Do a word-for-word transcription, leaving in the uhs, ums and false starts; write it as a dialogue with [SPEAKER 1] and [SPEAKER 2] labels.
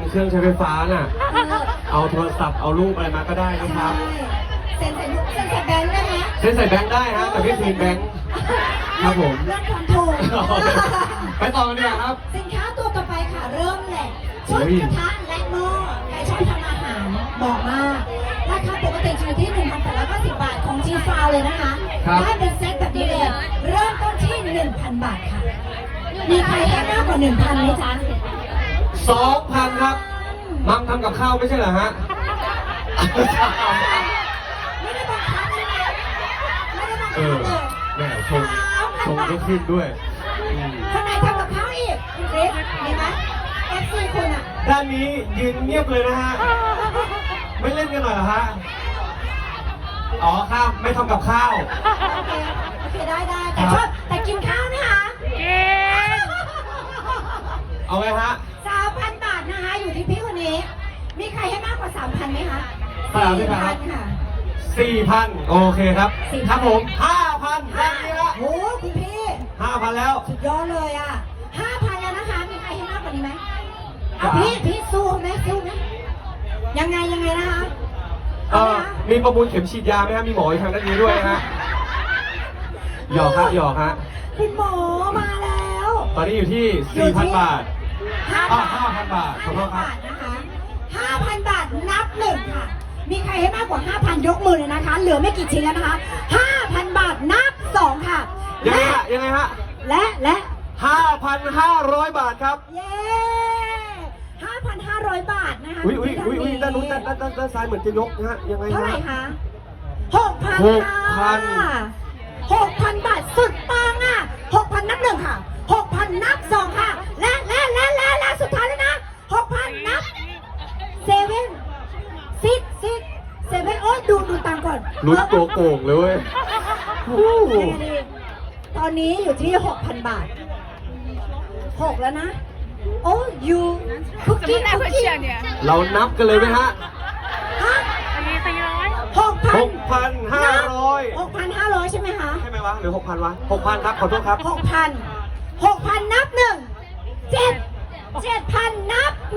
[SPEAKER 1] เครื่องใช้ไฟฟ้าน่ะเอาโทรศัพท์เอารูปอะไรมาก็ได้นะครับ
[SPEAKER 2] เซ็นใส่ลูกเซ็นใส่แบงค์ได้ไหม
[SPEAKER 1] เซ็นใส่แบงค์ได้ฮะแต่ไม่คืนแบงค์ครับผม
[SPEAKER 2] เรื่องความถูก
[SPEAKER 1] ไปต่อกันดีกว่าครับ
[SPEAKER 2] สินค้าตัวต่อไปค่ะเริ่มแหละชุดกระทะและหม้อใครชอบทำอาหารบอกมากราคาปกติอยู่ที่ หนึ่งพันแปดร้อยเก้าสิบ บาทของจีฟาวเลยนะคะได้เป็นเซ็ตแบบนี้เลยเริ่มต้นที่ หนึ่งพัน บาทค่ะมีใครให้มากกว่า หนึ่งพัน ไหมจ๊ะ
[SPEAKER 1] สองพัน ครับมัมทำกับข้าวไม่ใช่เหรอฮะ
[SPEAKER 2] ไม่ได้บังคับใช่ไหมไม่ได้บังคับ
[SPEAKER 1] เออ
[SPEAKER 2] เลย
[SPEAKER 1] แม่ชงชงก็ขึ้นด้วย
[SPEAKER 2] ข้างในทำกับข้าวอีกคุณคริสเห็นไหมเอฟซีคุณอ่ะ
[SPEAKER 1] ด้านนี้ยืนเงียบเลยนะฮะไม่เล่นกันหน่อยเหรอฮะอ๋อข้าวไม่ทำกับข้าว
[SPEAKER 2] โอเคโอเคได้ได้แต่ชอบแต่กินข้าวไหมคะ
[SPEAKER 3] กิน
[SPEAKER 1] เอาไงฮะ
[SPEAKER 2] สามพันบาทนะคะอยู่ที่พี่คนนี้มีใครให้มากกว่าสามพันไหมคะ
[SPEAKER 1] สามพัน
[SPEAKER 2] ค่ะ
[SPEAKER 1] สี่พันโอเคครับครับผมห้าพันด้านนี้ละ
[SPEAKER 2] โอ้คุณพี่
[SPEAKER 1] ห้าพันแล้ว
[SPEAKER 2] สุดยอดเลยอ่ะห้าพันแล้วนะคะมีใครให้มากกว่านี้ไหมเอาพี่พี่สู้ไหมสู้ไหมยังไงยังไงนะคะ
[SPEAKER 1] เออมีประมูลเข็มฉีดยาไหมครับมีหมออยู่ทางด้านนี้ด้วยฮะหยอกฮะหยอกฮะ
[SPEAKER 2] คุณหมอมาแล้ว
[SPEAKER 1] ตอนนี้อยู่ที่สี่พันบาท
[SPEAKER 2] ห้า
[SPEAKER 1] พันบาทขอโทษครับ
[SPEAKER 2] นะคะห้าพันบาทนับหนึ่งค่ะมีใครให้มากกว่าห้าพันยกมือเลยนะคะเหลือไม่กี่ชิ้นแล้วนะคะห้าพันบาทนับสองค่ะ
[SPEAKER 1] ยังไงฮะยังไงฮะ
[SPEAKER 2] และและ
[SPEAKER 1] ห้าพันห้าร้อยบาทครับ
[SPEAKER 2] เย้ห้าพันห้าร้อยบาทนะคะ
[SPEAKER 1] อุ้ยอุ้ยอุ้ยอุ้ยด้านนู้นด้านด้านด้านซ้ายเหมือนจะยกนะฮะยังไง
[SPEAKER 2] เท่าไหร่คะหกพัน
[SPEAKER 1] หกพัน
[SPEAKER 2] หกพันบาทสุดปังอ่ะหกพันนับหนึ่งค่ะหกพันนับสองค่ะและและและและและสุดท้ายแล้วนะหกพันนับเซเว่นซิกซิกเซเว่นโอ้ยดูดูตังก่อน
[SPEAKER 1] ลุ้นตัวโก่งเลยเว้ย
[SPEAKER 2] ตอนนี้อยู่ที่หกพันบาทหกแล้วนะโอ้ยูคุกกี้คุกกี้
[SPEAKER 1] เรานับกันเลยไหมฮะ
[SPEAKER 2] ฮะ
[SPEAKER 3] อันนี้สี่ร้อย
[SPEAKER 2] หกพัน
[SPEAKER 1] หกพันห้าร้อย
[SPEAKER 2] หกพันห้าร้อยใช่ไหมคะ
[SPEAKER 1] ใช่ไหมวะหรือหกพันวะหกพันครับขอโทษครับ
[SPEAKER 2] หกพันหกพันนับหนึ่งเจ็ดเจ็ดพันนับ